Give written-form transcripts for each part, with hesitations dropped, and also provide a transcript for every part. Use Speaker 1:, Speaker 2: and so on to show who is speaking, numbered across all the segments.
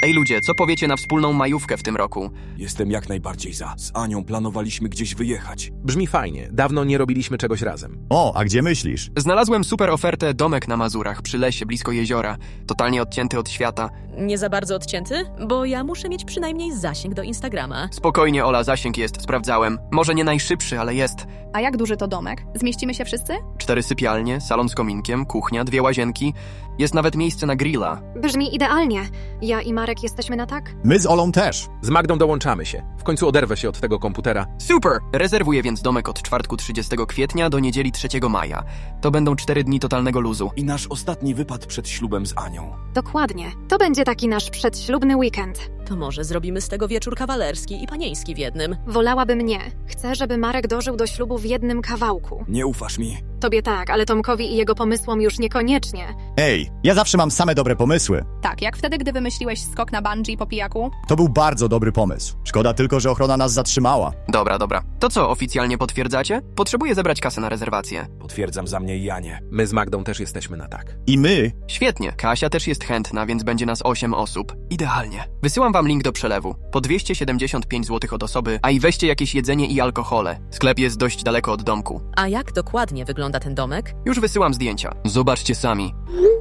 Speaker 1: Ej ludzie, co powiecie na wspólną majówkę w tym roku?
Speaker 2: Jestem jak najbardziej za. Z Anią planowaliśmy gdzieś wyjechać.
Speaker 3: Brzmi fajnie. Dawno nie robiliśmy czegoś razem.
Speaker 4: O, a gdzie myślisz?
Speaker 1: Znalazłem super ofertę domek na Mazurach, przy lesie, blisko jeziora. Totalnie odcięty od świata.
Speaker 5: Nie za bardzo odcięty? Bo ja muszę mieć przynajmniej zasięg do Instagrama.
Speaker 1: Spokojnie, Ola, zasięg jest, sprawdzałem. Może nie najszybszy, ale jest.
Speaker 6: A jak duży to domek? Zmieścimy się wszyscy?
Speaker 1: 4 sypialnie, salon z kominkiem, kuchnia, 2 łazienki. Jest nawet miejsce na grilla.
Speaker 7: Brzmi idealnie. Ja i Marek jesteśmy na tak?
Speaker 4: My z Olą też.
Speaker 3: Z Magdą dołączamy się. W końcu oderwę się od tego komputera.
Speaker 1: Super! Rezerwuję więc domek od czwartku 30 kwietnia do niedzieli 3 maja. To będą 4 dni totalnego luzu.
Speaker 2: I nasz ostatni wypad przed ślubem z Anią.
Speaker 7: Dokładnie. To będzie taki nasz przedślubny weekend.
Speaker 5: To może zrobimy z tego wieczór kawalerski i panieński w jednym.
Speaker 7: Wolałabym nie. Chcę, żeby Marek dożył do ślubu w jednym kawałku.
Speaker 2: Nie ufasz mi?
Speaker 7: Tobie tak, ale Tomkowi i jego pomysłom już niekoniecznie.
Speaker 4: Ej, ja zawsze mam same dobre pomysły.
Speaker 6: Tak, jak wtedy, gdy wymyśliłeś skok na bungee po pijaku?
Speaker 4: To był bardzo dobry pomysł. Szkoda tylko, że ochrona nas zatrzymała.
Speaker 1: Dobra. To co, oficjalnie potwierdzacie? Potrzebuję zebrać kasę na rezerwację.
Speaker 2: Potwierdzam za mnie i Anię.
Speaker 3: My z Magdą też jesteśmy na tak.
Speaker 4: I my?
Speaker 1: Świetnie, Kasia też jest chętna, więc będzie nas 8 osób. Idealnie. Wysyłam wam link do przelewu. Po 275 zł od osoby, a i weźcie jakieś jedzenie i alkohole. Sklep jest dość daleko od domku.
Speaker 5: A jak dokładnie wygląda ten domek?
Speaker 1: Już wysyłam zdjęcia. Zobaczcie sami.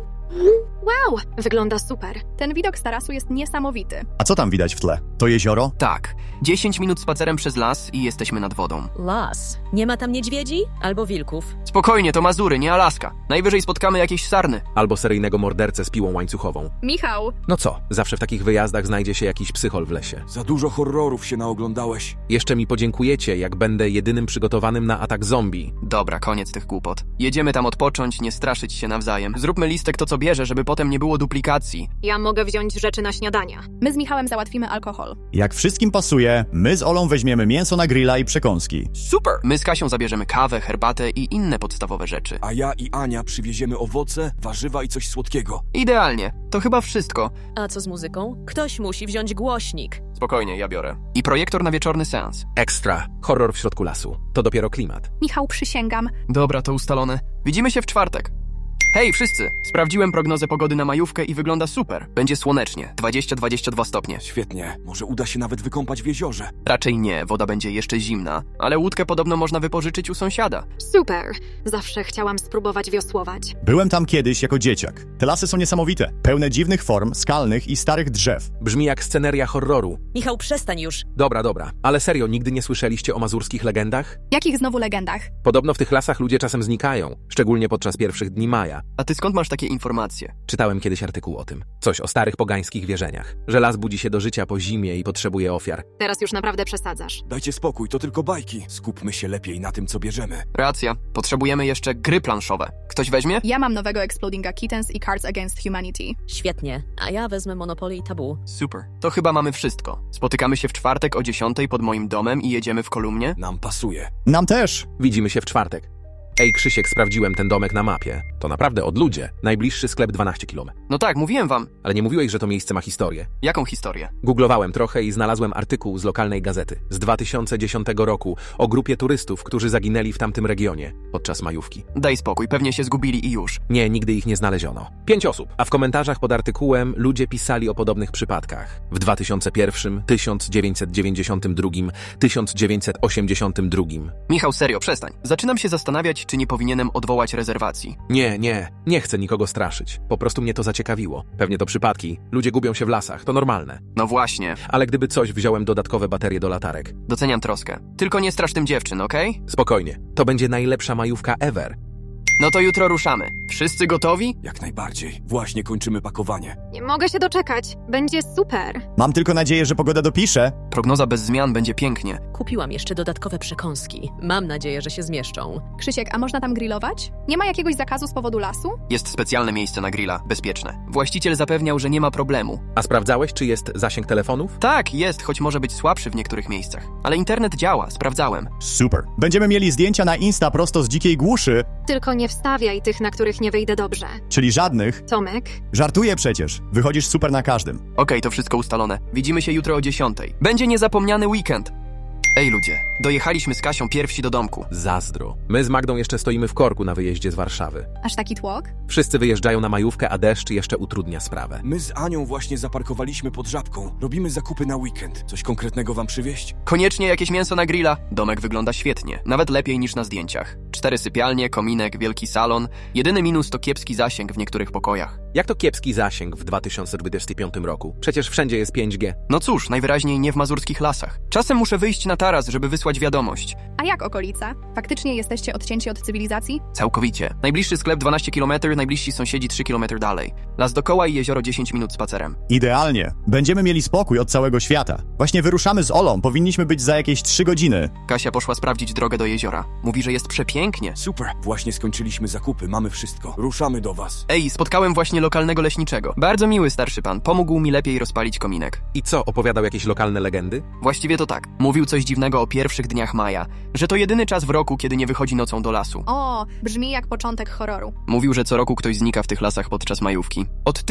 Speaker 7: Wow, wygląda super.
Speaker 6: Ten widok z tarasu jest niesamowity.
Speaker 4: A co tam widać w tle? To jezioro?
Speaker 1: Tak, 10 minut spacerem przez las i jesteśmy nad wodą.
Speaker 5: Las. Nie ma tam niedźwiedzi? Albo wilków?
Speaker 1: Spokojnie, to Mazury, nie Alaska. Najwyżej spotkamy jakieś sarny.
Speaker 3: Albo seryjnego mordercę z piłą łańcuchową.
Speaker 6: Michał,
Speaker 3: No co, zawsze w takich wyjazdach znajdzie się jakiś psychol w lesie.
Speaker 2: Za dużo horrorów się naoglądałeś.
Speaker 3: Jeszcze mi podziękujecie, jak będę jedynym przygotowanym na atak zombie.
Speaker 1: Dobra, koniec tych głupot. Jedziemy tam odpocząć, nie straszyć się nawzajem. Zróbmy listek to co bierze, żeby potem nie było duplikacji.
Speaker 7: Ja mogę wziąć rzeczy na śniadania.
Speaker 6: my z Michałem załatwimy alkohol.
Speaker 4: Jak wszystkim pasuje, my z Olą weźmiemy mięso na grilla i przekąski.
Speaker 1: Super! My z Kasią zabierzemy kawę, herbatę i inne podstawowe rzeczy.
Speaker 2: A ja i Ania przywieziemy owoce, warzywa i coś słodkiego.
Speaker 1: Idealnie. To chyba wszystko.
Speaker 5: A co z muzyką? Ktoś musi wziąć głośnik.
Speaker 1: Spokojnie, ja biorę. I projektor na wieczorny seans.
Speaker 3: Ekstra. Horror w środku lasu. To dopiero klimat.
Speaker 6: Michał, przysięgam.
Speaker 1: Dobra, to ustalone. Widzimy się w czwartek. Hej wszyscy! Sprawdziłem prognozę pogody na majówkę i wygląda super. Będzie słonecznie, 20-22 stopnie.
Speaker 2: Świetnie. Może uda się nawet wykąpać w jeziorze.
Speaker 1: Raczej nie, woda będzie jeszcze zimna, ale łódkę podobno można wypożyczyć u sąsiada.
Speaker 7: Super. Zawsze chciałam spróbować wiosłować.
Speaker 4: Byłem tam kiedyś jako dzieciak. Te lasy są niesamowite. Pełne dziwnych form, skalnych i starych drzew.
Speaker 3: Brzmi jak sceneria horroru.
Speaker 5: Michał, przestań już.
Speaker 3: Dobra. Ale serio, nigdy nie słyszeliście o mazurskich legendach?
Speaker 6: Jakich znowu legendach?
Speaker 3: Podobno w tych lasach ludzie czasem znikają, szczególnie podczas pierwszych dni maja.
Speaker 1: A ty skąd masz takie informacje?
Speaker 3: Czytałem kiedyś artykuł o tym. Coś o starych pogańskich wierzeniach. Że las budzi się do życia po zimie i potrzebuje ofiar.
Speaker 7: Teraz już naprawdę przesadzasz.
Speaker 2: Dajcie spokój, to tylko bajki. Skupmy się lepiej na tym, co bierzemy.
Speaker 1: Racja, potrzebujemy jeszcze gry planszowe. Ktoś weźmie?
Speaker 6: Ja mam nowego Explodinga Kittens i Cards Against Humanity.
Speaker 5: Świetnie. A ja wezmę Monopoly i Tabu.
Speaker 1: Super. To chyba mamy wszystko. Spotykamy się w czwartek o 10 pod moim domem i jedziemy w kolumnie?
Speaker 2: Nam pasuje.
Speaker 4: Nam też.
Speaker 3: Widzimy się w czwartek. Ej, Krzysiek, sprawdziłem ten domek na mapie. To naprawdę odludzie. Najbliższy sklep 12 km.
Speaker 1: No tak, mówiłem wam.
Speaker 3: Ale nie mówiłeś, że to miejsce ma historię.
Speaker 1: Jaką historię?
Speaker 3: Googlowałem trochę i znalazłem artykuł z lokalnej gazety z 2010 roku o grupie turystów, którzy zaginęli w tamtym regionie podczas majówki.
Speaker 1: Daj spokój, pewnie się zgubili i już.
Speaker 3: Nie, nigdy ich nie znaleziono. 5 osób. A w komentarzach pod artykułem ludzie pisali o podobnych przypadkach. W 2001, 1992, 1982.
Speaker 1: Michał, serio, przestań. Zaczynam się zastanawiać, czy nie powinienem odwołać rezerwacji.
Speaker 3: Nie chcę nikogo straszyć. Po prostu mnie to zaciekawiło. Pewnie to przypadki. Ludzie gubią się w lasach, to normalne.
Speaker 1: No właśnie.
Speaker 3: Ale gdyby coś, wziąłem dodatkowe baterie do latarek.
Speaker 1: Doceniam troskę. Tylko nie strasz tym dziewczyn, okej?
Speaker 3: Spokojnie. To będzie najlepsza majówka ever.
Speaker 1: No to jutro ruszamy. Wszyscy gotowi?
Speaker 2: Jak najbardziej. Właśnie kończymy pakowanie.
Speaker 7: Nie mogę się doczekać. Będzie super.
Speaker 4: Mam tylko nadzieję, że pogoda dopisze.
Speaker 1: Prognoza bez zmian będzie pięknie.
Speaker 5: Kupiłam jeszcze dodatkowe przekąski. Mam nadzieję, że się zmieszczą.
Speaker 6: Krzysiek, a można tam grillować? Nie ma jakiegoś zakazu z powodu lasu?
Speaker 1: Jest specjalne miejsce na grilla, bezpieczne. Właściciel zapewniał, że nie ma problemu.
Speaker 3: A sprawdzałeś, czy jest zasięg telefonów?
Speaker 1: Tak, jest, choć może być słabszy w niektórych miejscach. Ale internet działa, sprawdzałem.
Speaker 4: Super. Będziemy mieli zdjęcia na Insta prosto z dzikiej głuszy,
Speaker 7: Tylko nie wstawiaj tych, na których nie wyjdę dobrze.
Speaker 4: czyli żadnych.
Speaker 7: Tomek?
Speaker 4: Żartuję przecież. Wychodzisz super na każdym.
Speaker 1: Okej, to wszystko ustalone. Widzimy się jutro o 10. Będzie niezapomniany weekend. Ej ludzie, dojechaliśmy z Kasią pierwsi do domku.
Speaker 3: Zazdro. My z Magdą jeszcze stoimy w korku na wyjeździe z Warszawy.
Speaker 6: Aż taki tłok?
Speaker 3: Wszyscy wyjeżdżają na majówkę, a deszcz jeszcze utrudnia sprawę.
Speaker 2: My z Anią właśnie zaparkowaliśmy pod Żabką. Robimy zakupy na weekend. Coś konkretnego wam przywieźć?
Speaker 1: Koniecznie jakieś mięso na grilla. Domek wygląda świetnie, nawet lepiej niż na zdjęciach. 4 sypialnie, kominek, wielki salon. Jedyny minus to kiepski zasięg w niektórych pokojach.
Speaker 3: Jak to kiepski zasięg w 2025 roku? Przecież wszędzie jest 5G.
Speaker 1: No cóż, najwyraźniej nie w mazurskich lasach. Czasem muszę wyjść na taras, żeby wysłać wiadomość.
Speaker 6: A jak okolica? Faktycznie jesteście odcięci od cywilizacji?
Speaker 1: Całkowicie. Najbliższy sklep 12 km, najbliżsi sąsiedzi 3 km dalej. Las dookoła i jezioro 10 minut spacerem.
Speaker 4: Idealnie. Będziemy mieli spokój od całego świata. Właśnie wyruszamy z Olą, powinniśmy być za jakieś 3 godziny.
Speaker 1: Kasia poszła sprawdzić drogę do jeziora. Mówi, że jest przepięknie.
Speaker 2: Super. Właśnie skończyliśmy zakupy, mamy wszystko. Ruszamy do was.
Speaker 1: Ej, spotkałem właśnie lokalnego leśniczego. Bardzo miły starszy pan. Pomógł mi lepiej rozpalić kominek.
Speaker 3: I co, opowiadał jakieś lokalne legendy?
Speaker 1: Właściwie to tak. Mówił coś dziwnego o pierwszych dniach maja. Że to jedyny czas w roku, kiedy nie wychodzi nocą do lasu.
Speaker 6: O, brzmi jak początek horroru.
Speaker 1: Mówił, że co roku ktoś znika w tych lasach podczas majówki. Od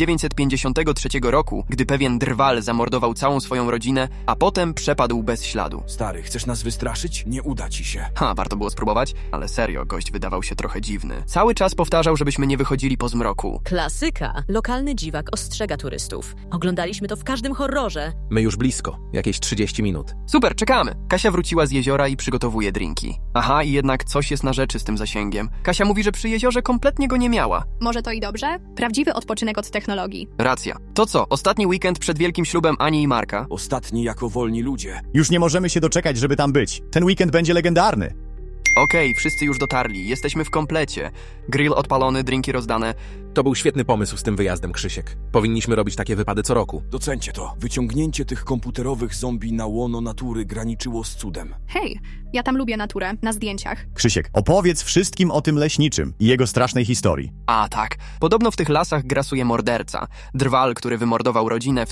Speaker 1: 1953 roku, gdy pewien drwal zamordował całą swoją rodzinę, a potem przepadł bez śladu.
Speaker 2: Stary, chcesz nas wystraszyć? Nie uda ci się.
Speaker 1: Warto było spróbować, ale serio, gość wydawał się trochę dziwny. Cały czas powtarzał, żebyśmy nie wychodzili po zmroku.
Speaker 5: Klasyka. Lokalny dziwak ostrzega turystów. Oglądaliśmy to w każdym horrorze.
Speaker 3: My już blisko, jakieś 30 minut.
Speaker 1: Super, czekamy! Kasia wróciła z jeziora i przygotowuje drinki. Aha, i jednak coś jest na rzeczy z tym zasięgiem. Kasia mówi, że przy jeziorze kompletnie go nie miała.
Speaker 6: Może to i dobrze? Prawdziwy odpoczynek od technologii.
Speaker 1: Racja. To co, ostatni weekend przed wielkim ślubem Ani i Marka?
Speaker 2: Ostatni jako wolni ludzie.
Speaker 4: Już nie możemy się doczekać, żeby tam być. Ten weekend będzie legendarny.
Speaker 1: Okej, wszyscy już dotarli, jesteśmy w komplecie. Grill odpalony, drinki rozdane.
Speaker 3: To był świetny pomysł z tym wyjazdem, Krzysiek. Powinniśmy robić takie wypady co roku.
Speaker 2: Docencie to. Wyciągnięcie tych komputerowych zombie na łono natury graniczyło z cudem.
Speaker 6: Hej, ja tam lubię naturę, na zdjęciach.
Speaker 4: Krzysiek, opowiedz wszystkim o tym leśniczym i jego strasznej historii.
Speaker 1: A tak, podobno w tych lasach grasuje morderca. Drwal, który wymordował rodzinę w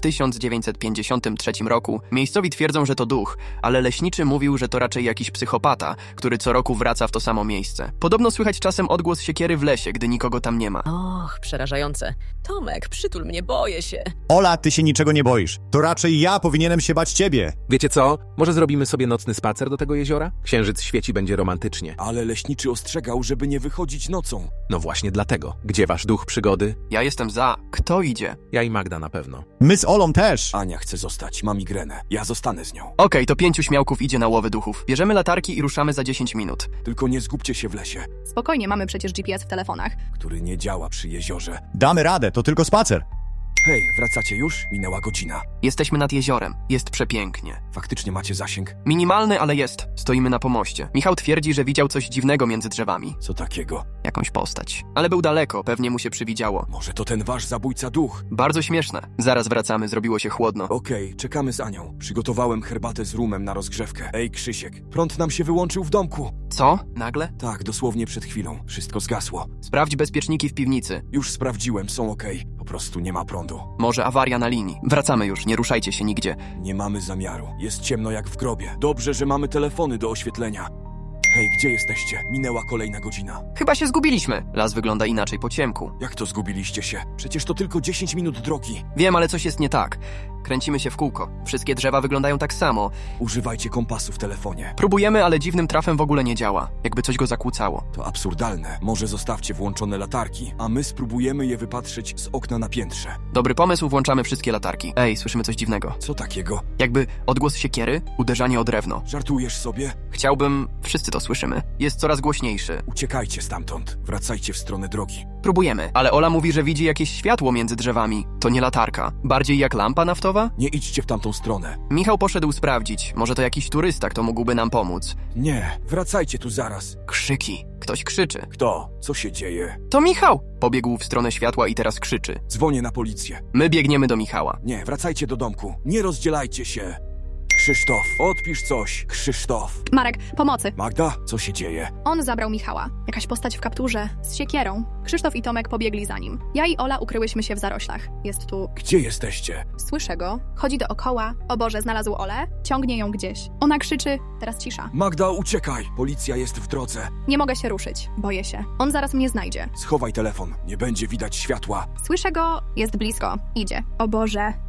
Speaker 1: 1953 roku. Miejscowi twierdzą, że to duch, ale leśniczy mówił, że to raczej jakiś psychopata, który co roku wraca w to samo miejsce. Podobno słychać czasem odgłos siekiery w lesie, gdy nikogo tam nie ma.
Speaker 5: Och, przerażające. Tomek, przytul mnie, boję się.
Speaker 4: Ola, ty się niczego nie boisz. To raczej ja powinienem się bać ciebie.
Speaker 3: Wiecie co? Może zrobimy sobie nocny spacer do tego jeziora? Księżyc świeci, będzie romantycznie.
Speaker 2: Ale leśniczy ostrzegał, żeby nie wychodzić nocą.
Speaker 3: No właśnie dlatego. Gdzie wasz duch przygody?
Speaker 1: Ja jestem za. Kto idzie?
Speaker 3: Ja i Magda na pewno.
Speaker 4: My z Olą też.
Speaker 2: Ania chce zostać, ma migrenę. Ja zostanę z nią.
Speaker 1: Okej, to 5 śmiałków idzie na łowy duchów. Bierzemy latarki i ruszamy za 10 minut.
Speaker 2: Tylko nie zgubcie się w lesie,
Speaker 6: Spokojnie, mamy przecież GPS w telefonach.
Speaker 2: który nie działa przy jeziorze.
Speaker 4: Damy radę, to tylko spacer.
Speaker 2: Hej, wracacie już? Minęła godzina.
Speaker 1: Jesteśmy nad jeziorem. Jest przepięknie.
Speaker 2: Faktycznie macie zasięg?
Speaker 1: Minimalny, ale jest. Stoimy na pomoście. Michał twierdzi, że widział coś dziwnego między drzewami.
Speaker 2: Co takiego?
Speaker 1: Jakąś postać. Ale był daleko, pewnie mu się przywidziało.
Speaker 2: Może to ten wasz zabójca duch?
Speaker 1: Bardzo śmieszne. Zaraz wracamy, zrobiło się chłodno.
Speaker 2: Okej, czekamy z Anią. Przygotowałem herbatę z rumem na rozgrzewkę. Ej, Krzysiek, prąd nam się wyłączył w domku.
Speaker 1: Co? Nagle?
Speaker 2: Tak, dosłownie przed chwilą. Wszystko zgasło.
Speaker 1: Sprawdź bezpieczniki w piwnicy.
Speaker 2: Już sprawdziłem, są okej. Po prostu nie ma prądu.
Speaker 1: Może awaria na linii. Wracamy już, nie ruszajcie się nigdzie.
Speaker 2: Nie mamy zamiaru. Jest ciemno jak w grobie. Dobrze, że mamy telefony do oświetlenia. Hej, gdzie jesteście? Minęła kolejna godzina.
Speaker 1: Chyba się zgubiliśmy. Las wygląda inaczej po ciemku.
Speaker 2: Jak to zgubiliście się? Przecież to tylko 10 minut drogi.
Speaker 1: Wiem, ale coś jest nie tak. Kręcimy się w kółko. Wszystkie drzewa wyglądają tak samo.
Speaker 2: Używajcie kompasu w telefonie.
Speaker 1: Próbujemy, ale dziwnym trafem w ogóle nie działa. Jakby coś go zakłócało.
Speaker 2: To absurdalne. Może zostawcie włączone latarki, a my spróbujemy je wypatrzeć z okna na piętrze.
Speaker 1: Dobry pomysł, włączamy wszystkie latarki. Ej, słyszymy coś dziwnego.
Speaker 2: Co takiego?
Speaker 1: Jakby odgłos siekiery, uderzanie o drewno.
Speaker 2: Żartujesz sobie?
Speaker 1: Chciałbym... Wszyscy to słyszymy. Jest coraz głośniejszy.
Speaker 2: Uciekajcie stamtąd. Wracajcie w stronę drogi.
Speaker 1: Próbujemy, ale Ola mówi, że widzi jakieś światło między drzewami. To nie latarka. Bardziej jak lampa naftowa?
Speaker 2: Nie idźcie w tamtą stronę.
Speaker 1: Michał poszedł sprawdzić. Może to jakiś turysta, kto mógłby nam pomóc.
Speaker 2: Nie, wracajcie tu zaraz.
Speaker 1: Krzyki. Ktoś krzyczy.
Speaker 2: Kto? Co się dzieje?
Speaker 1: To Michał! Pobiegł w stronę światła i teraz krzyczy.
Speaker 2: Dzwonię na policję.
Speaker 1: My biegniemy do Michała.
Speaker 2: Nie, wracajcie do domku. Nie rozdzielajcie się. Krzysztof, odpisz coś. Krzysztof.
Speaker 6: Marek, pomocy.
Speaker 2: Magda, co się dzieje?
Speaker 6: On zabrał Michała. Jakaś postać w kapturze, z siekierą. Krzysztof i Tomek pobiegli za nim. Ja i Ola ukryłyśmy się w zaroślach. Jest tu.
Speaker 2: Gdzie jesteście?
Speaker 6: Słyszę go. Chodzi dookoła. O Boże, znalazł Olę. Ciągnie ją gdzieś. Ona krzyczy. Teraz cisza.
Speaker 2: Magda, uciekaj! Policja jest w drodze.
Speaker 6: Nie mogę się ruszyć. Boję się. On zaraz mnie znajdzie.
Speaker 2: Schowaj telefon. Nie będzie widać światła.
Speaker 6: Słyszę go. Jest blisko. Idzie. O Boże.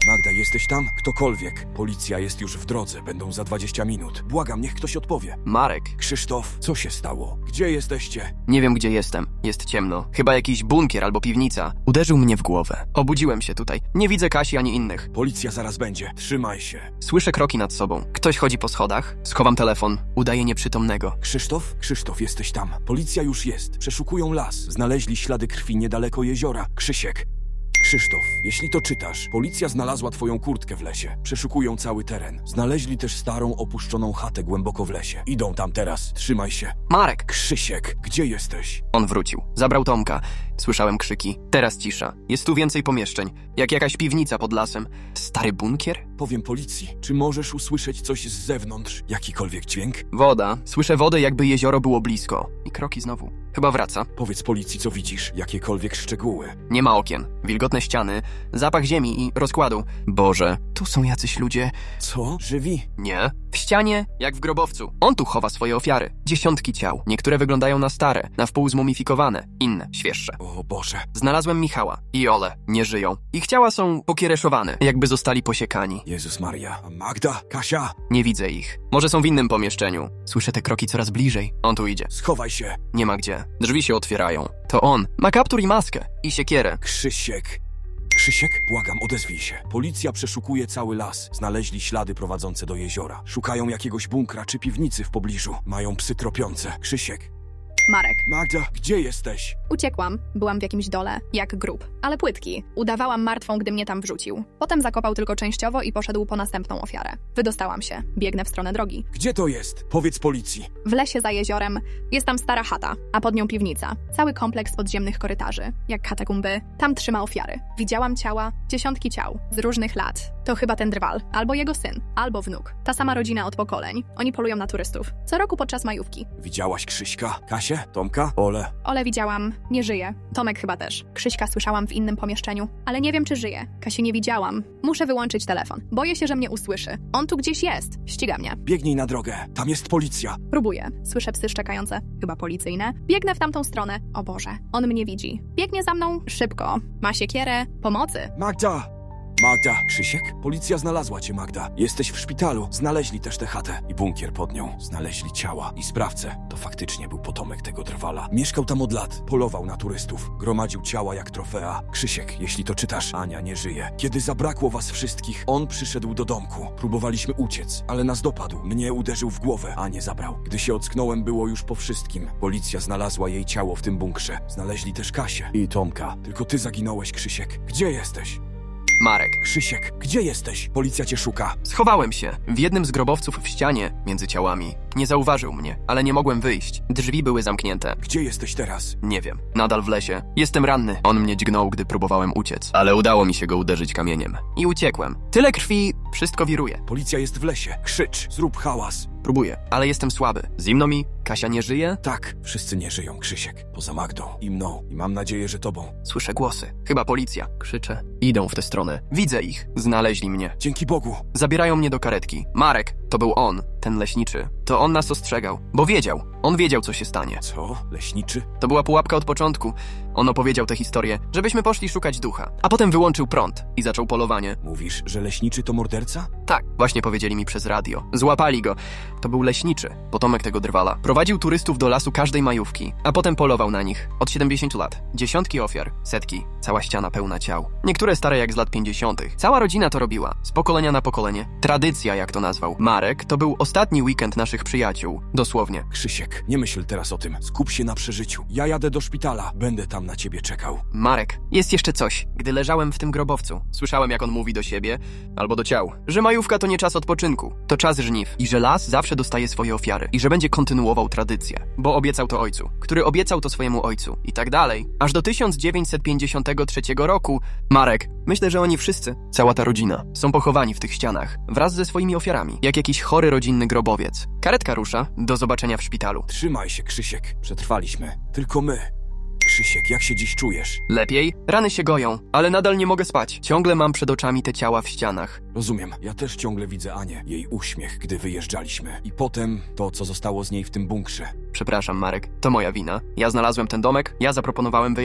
Speaker 2: Magda, jesteś tam? Ktokolwiek. Policja jest już w drodze, będą za 20 minut. Błagam, niech ktoś odpowie.
Speaker 1: Marek,
Speaker 2: Krzysztof, co się stało? Gdzie jesteście?
Speaker 1: nie wiem gdzie jestem. Jest ciemno. Chyba jakiś bunkier albo piwnica. Uderzył mnie w głowę. Obudziłem się tutaj. Nie widzę Kasi ani innych.
Speaker 2: Policja zaraz będzie. Trzymaj się.
Speaker 1: Słyszę kroki nad sobą. Ktoś chodzi po schodach. Schowam telefon. Udaję nieprzytomnego.
Speaker 2: Krzysztof? Krzysztof, jesteś tam. Policja już jest. Przeszukują las. Znaleźli ślady krwi niedaleko jeziora. Krzysiek. Krzysztof, jeśli to czytasz, policja znalazła twoją kurtkę w lesie. Przeszukują cały teren. Znaleźli też starą, opuszczoną chatę głęboko w lesie. Idą tam teraz. Trzymaj się.
Speaker 1: Marek!
Speaker 2: Krzysiek, gdzie jesteś?
Speaker 1: On wrócił. Zabrał Tomka. Słyszałem krzyki. Teraz cisza. Jest tu więcej pomieszczeń. Jak jakaś piwnica pod lasem. Stary bunkier?
Speaker 2: Powiem policji. Czy możesz usłyszeć coś z zewnątrz? Jakikolwiek dźwięk?
Speaker 1: Woda. Słyszę wodę, jakby jezioro było blisko. I kroki znowu. Chyba wraca.
Speaker 2: Powiedz policji, co widzisz. Jakiekolwiek szczegóły.
Speaker 1: Nie ma okien. Wilgotne ściany. Zapach ziemi i rozkładu. Boże, tu są jacyś ludzie.
Speaker 2: Co? Żywi?
Speaker 1: Nie. W ścianie, jak w grobowcu. On tu chowa swoje ofiary. Dziesiątki ciał. Niektóre wyglądają na stare, na wpół zmumifikowane. Inne, świeższe.
Speaker 2: O Boże.
Speaker 1: Znalazłem Michała i Olę. Nie żyją. Ich ciała są pokiereszowane, jakby zostali posiekani.
Speaker 2: Jezus Maria. Magda? Kasia?
Speaker 1: Nie widzę ich. Może są w innym pomieszczeniu. Słyszę te kroki coraz bliżej. On tu idzie.
Speaker 2: Schowaj się.
Speaker 1: Nie ma gdzie. Drzwi się otwierają. To on. Ma kaptur i maskę. I siekierę.
Speaker 2: Krzysiek. Krzysiek? Błagam, odezwij się. Policja przeszukuje cały las. Znaleźli ślady prowadzące do jeziora. Szukają jakiegoś bunkra czy piwnicy w pobliżu. Mają psy tropiące. Krzysiek.
Speaker 6: Marek.
Speaker 2: Magda, gdzie jesteś?
Speaker 6: Uciekłam. Byłam w jakimś dole, jak grób. Ale płytki. Udawałam martwą, gdy mnie tam wrzucił. Potem zakopał tylko częściowo i poszedł po następną ofiarę. Wydostałam się. Biegnę w stronę drogi.
Speaker 2: Gdzie to jest? Powiedz policji.
Speaker 6: W lesie za jeziorem jest tam stara chata, a pod nią piwnica. Cały kompleks podziemnych korytarzy, jak katakumby. Tam trzyma ofiary. Widziałam ciała, dziesiątki ciał, z różnych lat. To chyba ten drwal, albo jego syn, albo wnuk. Ta sama rodzina od pokoleń. Oni polują na turystów. Co roku podczas majówki.
Speaker 2: Widziałaś Krzyśka? Kasię? Tomka? Ole?
Speaker 6: Ole widziałam, nie żyje. Tomek chyba też. Krzyśka słyszałam w innym pomieszczeniu, ale nie wiem, czy żyje. Kasi nie widziałam. Muszę wyłączyć telefon. Boję się, że mnie usłyszy. On tu gdzieś jest. Ściga mnie.
Speaker 2: Biegnij na drogę. Tam jest policja.
Speaker 6: Próbuję. Słyszę psy szczekające. Chyba policyjne. Biegnę w tamtą stronę. O Boże. On mnie widzi. Biegnie za mną szybko. Ma siekierę. Pomocy.
Speaker 2: Magda! Magda! Krzysiek? Policja znalazła cię, Magda. Jesteś w szpitalu. Znaleźli też tę chatę i bunkier pod nią. Znaleźli ciała i sprawcę. To faktycznie był potomek tego drwala. Mieszkał tam od lat. Polował na turystów. Gromadził ciała jak trofea. Krzysiek, jeśli to czytasz, Ania nie żyje. Kiedy zabrakło was wszystkich, on przyszedł do domku. Próbowaliśmy uciec, ale nas dopadł. Mnie uderzył w głowę, a nie zabrał. Gdy się ocknąłem, było już po wszystkim. Policja znalazła jej ciało w tym bunkrze. Znaleźli też Kasię i Tomka. Tylko ty zaginąłeś, Krzysiek. Gdzie jesteś?
Speaker 1: Marek.
Speaker 2: Krzysiek, gdzie jesteś? Policja cię szuka.
Speaker 1: Schowałem się. W jednym z grobowców w ścianie, między ciałami. Nie zauważył mnie, ale nie mogłem wyjść. Drzwi były zamknięte.
Speaker 2: Gdzie jesteś teraz?
Speaker 1: Nie wiem. Nadal w lesie. Jestem ranny. On mnie dźgnął, gdy próbowałem uciec. Ale udało mi się go uderzyć kamieniem. I uciekłem. Tyle krwi, wszystko wiruje.
Speaker 2: Policja jest w lesie. Krzycz, zrób hałas.
Speaker 1: Próbuję, ale jestem słaby. Zimno mi? Kasia nie żyje?
Speaker 2: Tak, wszyscy nie żyją, Krzysiek. Poza Magdą i mną. I mam nadzieję, że tobą.
Speaker 1: Słyszę głosy. Chyba policja. Krzyczę. Idą w tę stronę. Widzę ich. Znaleźli mnie.
Speaker 2: Dzięki Bogu.
Speaker 1: Zabierają mnie do karetki. Marek, to był on, ten leśniczy. To on nas ostrzegał, bo wiedział. On wiedział, co się stanie.
Speaker 2: Co? Leśniczy?
Speaker 1: To była pułapka od początku. On opowiedział tę historię, żebyśmy poszli szukać ducha. A potem wyłączył prąd i zaczął polowanie.
Speaker 2: Mówisz, że leśniczy to morderca?
Speaker 1: Tak, właśnie powiedzieli mi przez radio. Złapali go. To był leśniczy, potomek tego drwala. Prowadził turystów do lasu każdej majówki, a potem polował na nich. Od 70 lat. Dziesiątki ofiar, setki, cała ściana pełna ciał. Niektóre stare jak z lat 50. Cała rodzina to robiła, z pokolenia na pokolenie. Tradycja, jak to nazwał. Marek to był ostatni weekend naszych przyjaciół. Dosłownie.
Speaker 2: Krzysiek, nie myśl teraz o tym. Skup się na przeżyciu. Ja jadę do szpitala. Będę tam na ciebie czekał.
Speaker 1: Marek, jest jeszcze coś. Gdy leżałem w tym grobowcu, słyszałem, jak on mówi do siebie, albo do ciał, że majówka to nie czas odpoczynku, to czas żniw i że las zawsze dostaje swoje ofiary i że będzie kontynuował tradycję, bo obiecał to ojcu, który obiecał to swojemu ojcu i tak dalej. Aż do 1953 roku, Marek, myślę, że oni wszyscy, cała ta rodzina, są pochowani w tych ścianach, wraz ze swoimi ofiarami, jak jakiś chory rodzinny grobowiec. Karetka rusza, do zobaczenia w szpitalu.
Speaker 2: Trzymaj się, Krzysiek. Przetrwaliśmy. Tylko my. Krzysiek, jak się dziś czujesz?
Speaker 1: Lepiej? Rany się goją, ale nadal nie mogę spać. Ciągle mam przed oczami te ciała w ścianach.
Speaker 2: Rozumiem. Ja też ciągle widzę Anię. Jej uśmiech, gdy wyjeżdżaliśmy. I potem to, co zostało z niej w tym bunkrze.
Speaker 1: Przepraszam, Marek, to moja wina. Ja znalazłem ten domek, ja zaproponowałem wyjazd.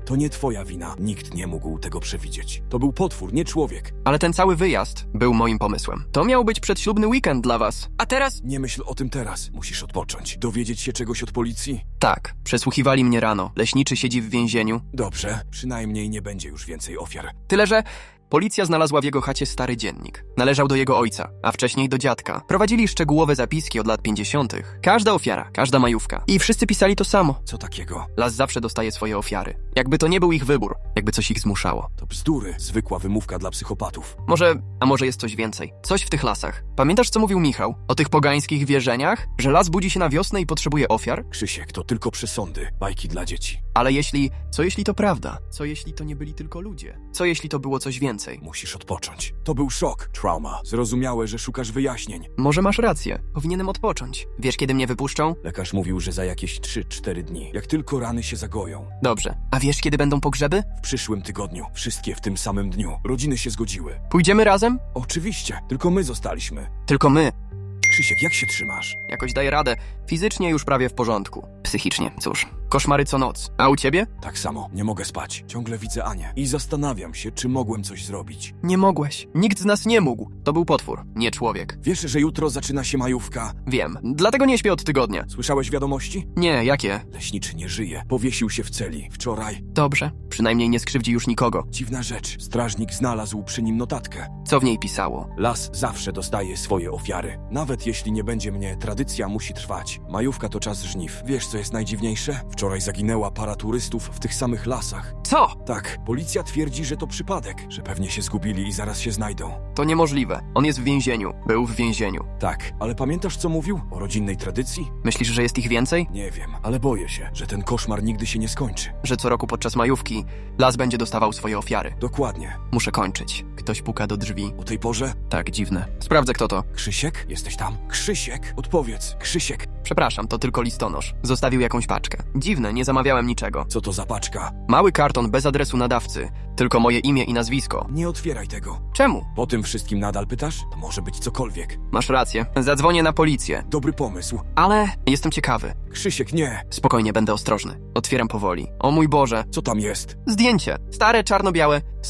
Speaker 2: To nie twoja wina. Nikt nie mógł tego przewidzieć. To był potwór, nie człowiek.
Speaker 1: Ale ten cały wyjazd był moim pomysłem. To miał być przedślubny weekend dla was. A teraz?
Speaker 2: Nie myśl o tym teraz. Musisz odpocząć. Dowiedzieć się czegoś od policji?
Speaker 1: Tak, przesłuchiwali mnie rano. Leśniczy siedzi w więzieniu.
Speaker 2: Dobrze, przynajmniej nie będzie już więcej ofiar.
Speaker 1: Tyle, że policja znalazła w jego chacie stary dziennik. Należał do jego ojca, a wcześniej do dziadka. Prowadzili szczegółowe zapiski od lat 50. Każda ofiara, każda majówka. I wszyscy pisali to samo.
Speaker 2: Co takiego?
Speaker 1: Las zawsze dostaje swoje ofiary. Jakby to nie był ich wybór, jakby coś ich zmuszało.
Speaker 2: To bzdury. Zwykła wymówka dla psychopatów.
Speaker 1: Może jest coś więcej. Coś w tych lasach. Pamiętasz, co mówił Michał? O tych pogańskich wierzeniach? Że las budzi się na wiosnę i potrzebuje ofiar?
Speaker 2: Krzysiek, to tylko przesądy. Bajki dla dzieci.
Speaker 1: Ale co jeśli to prawda? Co jeśli to nie byli tylko ludzie? Co jeśli to było coś więcej?
Speaker 2: Musisz odpocząć. To był szok. Trauma. Zrozumiałe, że szukasz wyjaśnień.
Speaker 1: Może masz rację. Powinienem odpocząć. Wiesz, kiedy mnie wypuszczą?
Speaker 2: Lekarz mówił, że za jakieś 3-4 dni. Jak tylko rany się zagoją.
Speaker 1: Dobrze. A wiesz, kiedy będą pogrzeby?
Speaker 2: W przyszłym tygodniu. Wszystkie w tym samym dniu. Rodziny się zgodziły.
Speaker 1: Pójdziemy razem?
Speaker 2: Oczywiście. Tylko my zostaliśmy.
Speaker 1: Tylko my.
Speaker 2: Krzysiek, jak się trzymasz?
Speaker 1: Jakoś daję radę. Fizycznie już prawie w porządku. Psychicznie, cóż. Koszmary co noc. A u ciebie?
Speaker 2: Tak samo. Nie mogę spać. Ciągle widzę Anię. I zastanawiam się, czy mogłem coś zrobić.
Speaker 1: Nie mogłeś. Nikt z nas nie mógł. To był potwór, nie człowiek.
Speaker 2: Wiesz, że jutro zaczyna się majówka?
Speaker 1: Wiem. Dlatego nie śpię od tygodnia.
Speaker 2: Słyszałeś wiadomości?
Speaker 1: Nie, jakie?
Speaker 2: Leśniczy nie żyje. Powiesił się w celi. Wczoraj.
Speaker 1: Dobrze. Przynajmniej nie skrzywdzi już nikogo.
Speaker 2: Dziwna rzecz. Strażnik znalazł przy nim notatkę.
Speaker 1: Co w niej pisało?
Speaker 2: Las zawsze dostaje swoje ofiary. Nawet jeśli nie będzie mnie, tradycja musi trwać. Majówka to czas żniw. Wiesz, co jest najdziwniejsze? Wczoraj zaginęła para turystów w tych samych lasach.
Speaker 1: Co?
Speaker 2: Tak, policja twierdzi, że to przypadek, że pewnie się zgubili i zaraz się znajdą.
Speaker 1: To niemożliwe. On jest w więzieniu. Był w więzieniu.
Speaker 2: Tak, ale pamiętasz, co mówił? O rodzinnej tradycji?
Speaker 1: Myślisz, że jest ich więcej?
Speaker 2: Nie wiem, ale boję się, że ten koszmar nigdy się nie skończy.
Speaker 1: Że co roku podczas majówki las będzie dostawał swoje ofiary.
Speaker 2: Dokładnie.
Speaker 1: Muszę kończyć. Ktoś puka do drzwi.
Speaker 2: O tej porze?
Speaker 1: Tak, dziwne. Sprawdzę, kto to.
Speaker 2: Krzysiek? Jesteś tam? Krzysiek? Odpowiedz. Krzysiek.
Speaker 1: Przepraszam, to tylko listonosz. Zostawił jakąś paczkę. Dziwne, nie zamawiałem niczego.
Speaker 2: Co to za paczka?
Speaker 1: Mały karton bez adresu nadawcy. Tylko moje imię i nazwisko.
Speaker 2: Nie otwieraj tego.
Speaker 1: Czemu?
Speaker 2: Po tym wszystkim nadal pytasz? To może być cokolwiek.
Speaker 1: Masz rację. Zadzwonię na policję.
Speaker 2: Dobry pomysł.
Speaker 1: Ale jestem ciekawy.
Speaker 2: Krzysiek, nie.
Speaker 1: Spokojnie, będę ostrożny. Otwieram powoli. O mój Boże.
Speaker 2: Co tam jest?
Speaker 1: Zdjęcie. Stare, czarno-białe. Z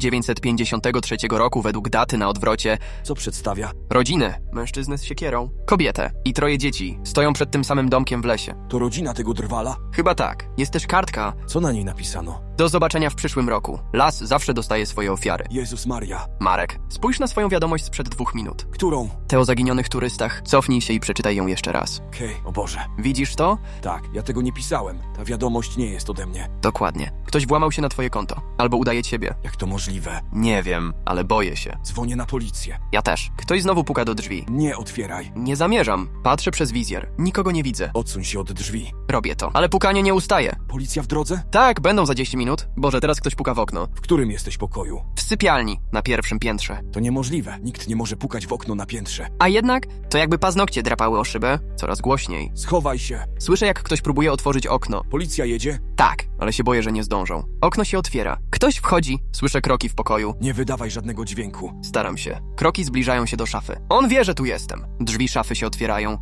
Speaker 1: 1953 roku według daty na odwrocie.
Speaker 2: Co przedstawia?
Speaker 1: Rodzinę. Mężczyznę z siekierą. Kobietę. I 3 dzieci. Stoją przed tym samym domkiem w lesie.
Speaker 2: To rodzina tego drwala?
Speaker 1: Chyba tak. Jest też kartka.
Speaker 2: Co na niej napisano?
Speaker 1: Do zobaczenia w przyszłym roku. Las zawsze dostaje swoje ofiary.
Speaker 2: Jezus Maria.
Speaker 1: Marek, spójrz na swoją wiadomość sprzed 2 minut.
Speaker 2: Którą?
Speaker 1: Te o zaginionych turystach. Cofnij się i przeczytaj ją jeszcze raz.
Speaker 2: Okej, o Boże.
Speaker 1: Widzisz to?
Speaker 2: Tak, ja tego nie pisałem. Ta wiadomość nie jest ode mnie.
Speaker 1: Dokładnie. Ktoś włamał się na twoje konto. Albo udaje ciebie.
Speaker 2: Jak to możliwe?
Speaker 1: Nie wiem, ale boję się.
Speaker 2: Dzwonię na policję.
Speaker 1: Ja też. Ktoś znowu puka do drzwi.
Speaker 2: Nie otwieraj.
Speaker 1: Nie zamierzam. Patrzę przez wizjer. Nikogo nie widzę.
Speaker 2: Odsuń się od drzwi.
Speaker 1: Robię to. Ale pukanie nie ustaje.
Speaker 2: Policja w drodze?
Speaker 1: Tak, będą za 10 minut. Boże, teraz ktoś puka w okno.
Speaker 2: W którym jesteś pokoju?
Speaker 1: W sypialni, na 1. piętrze.
Speaker 2: To niemożliwe. Nikt nie może pukać w okno na piętrze.
Speaker 1: A jednak, to jakby paznokcie drapały o szybę. Coraz głośniej.
Speaker 2: Schowaj się.
Speaker 1: Słyszę, jak ktoś próbuje otworzyć okno.
Speaker 2: Policja jedzie?
Speaker 1: Tak, ale się boję, że nie zdążą. Okno się otwiera. Ktoś wchodzi. Słyszę kroki w pokoju.
Speaker 2: Nie wydawaj żadnego dźwięku.
Speaker 1: Staram się. Kroki zbliżają się do szafy. On wie, że tu jestem. Drzwi szafy się otwierają.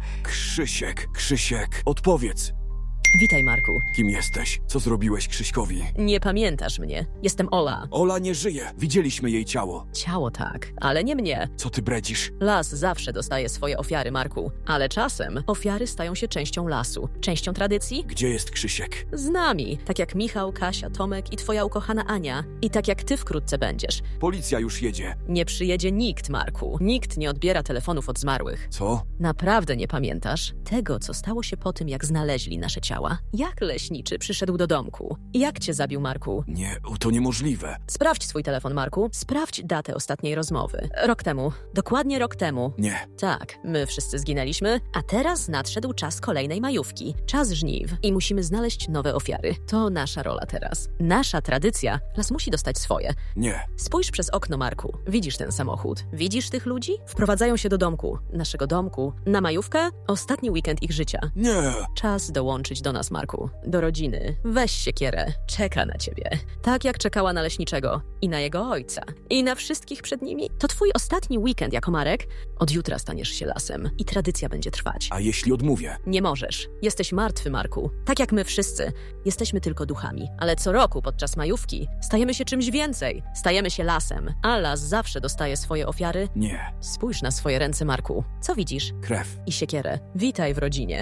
Speaker 2: Krzysiek, odpowiedz.
Speaker 5: Witaj, Marku.
Speaker 2: Kim jesteś? Co zrobiłeś Krzyśkowi?
Speaker 5: Nie pamiętasz mnie. Jestem Ola.
Speaker 2: Ola nie żyje. Widzieliśmy jej ciało.
Speaker 5: Ciało tak, ale nie mnie.
Speaker 2: Co ty bredzisz?
Speaker 5: Las zawsze dostaje swoje ofiary, Marku. Ale czasem ofiary stają się częścią lasu. Częścią tradycji?
Speaker 2: Gdzie jest Krzysiek?
Speaker 5: Z nami. Tak jak Michał, Kasia, Tomek i twoja ukochana Ania. I tak jak ty wkrótce będziesz.
Speaker 2: Policja już jedzie.
Speaker 5: Nie przyjedzie nikt, Marku. Nikt nie odbiera telefonów od zmarłych.
Speaker 2: Co?
Speaker 5: Naprawdę nie pamiętasz tego, co stało się po tym, jak znaleźli nasze ciała? Jak leśniczy przyszedł do domku? Jak cię zabił, Marku?
Speaker 2: Nie, to niemożliwe.
Speaker 5: Sprawdź swój telefon, Marku. Sprawdź datę ostatniej rozmowy. Rok temu. Dokładnie rok temu.
Speaker 2: Nie.
Speaker 5: Tak, my wszyscy zginęliśmy, a teraz nadszedł czas kolejnej majówki. Czas żniw i musimy znaleźć nowe ofiary. To nasza rola teraz. Nasza tradycja. Las musi dostać swoje.
Speaker 2: Nie.
Speaker 5: Spójrz przez okno, Marku. Widzisz ten samochód? Widzisz tych ludzi? Wprowadzają się do domku. Naszego domku. Na majówkę? Ostatni weekend ich życia.
Speaker 2: Nie.
Speaker 5: Czas dołączyć do nas, Marku. Do rodziny. Weź siekierę. Czeka na ciebie. Tak jak czekała na leśniczego. I na jego ojca. I na wszystkich przed nimi. To twój ostatni weekend jako Marek. Od jutra staniesz się lasem. I tradycja będzie trwać.
Speaker 2: A jeśli odmówię?
Speaker 5: Nie możesz. Jesteś martwy, Marku. Tak jak my wszyscy. Jesteśmy tylko duchami. Ale co roku podczas majówki stajemy się czymś więcej. Stajemy się lasem. A las zawsze dostaje swoje ofiary.
Speaker 2: Nie.
Speaker 5: Spójrz na swoje ręce, Marku. Co widzisz?
Speaker 2: Krew.
Speaker 5: I siekierę. Witaj w rodzinie.